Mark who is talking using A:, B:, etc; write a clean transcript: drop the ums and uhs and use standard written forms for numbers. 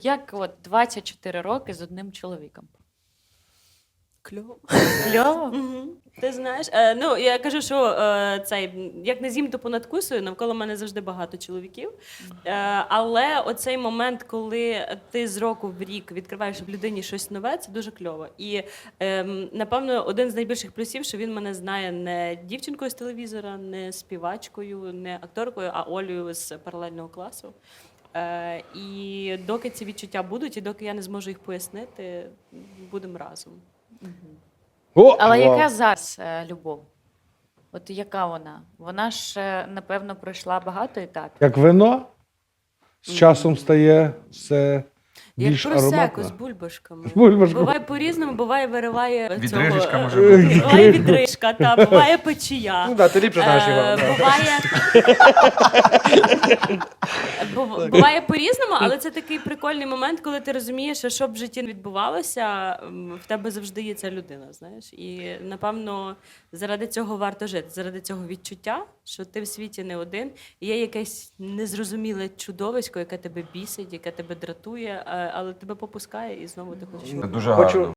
A: Як от 24 роки з одним чоловіком?
B: Кльово.
A: Кльово?
B: Мгм. Ти знаєш, ну я кажу, що як не з'їм, то понадкусую, навколо мене завжди багато чоловіків. Але оцей момент, коли ти з року в рік відкриваєш в людині щось нове, це дуже кльово. І напевно, один з найбільших плюсів, що він мене знає не дівчинкою з телевізора, не співачкою, не акторкою, а Олею з паралельного класу. І доки ці відчуття будуть, і доки я не зможу їх пояснити, будемо разом.
C: О,
A: Але
C: вау.
A: яка зараз любов? От яка вона? Вона ж, напевно, пройшла багато етапів.
C: Як вино з часом стає все
B: Як
C: більш
B: просеко з
C: ароматно.
B: бульбашками.
C: З бульбашками.
B: Буває по-різному, буває вириває
D: Відрижечка
B: цього,
D: може бути.
B: Буває відрижка, буває печія.
E: Ну так, ти ліпше знаєш його.
B: Буває по-різному, але це такий прикольний момент, коли ти розумієш, що щоб в житті не відбувалося, в тебе завжди є ця людина, знаєш. І, напевно, заради цього варто жити, заради цього відчуття, що ти в світі не один, і є якесь незрозуміле чудовисько, яке тебе бісить, яке тебе дратує, але тебе попускає, і знову ти хочеш.
D: Це дуже
E: Хочу-
D: гарно.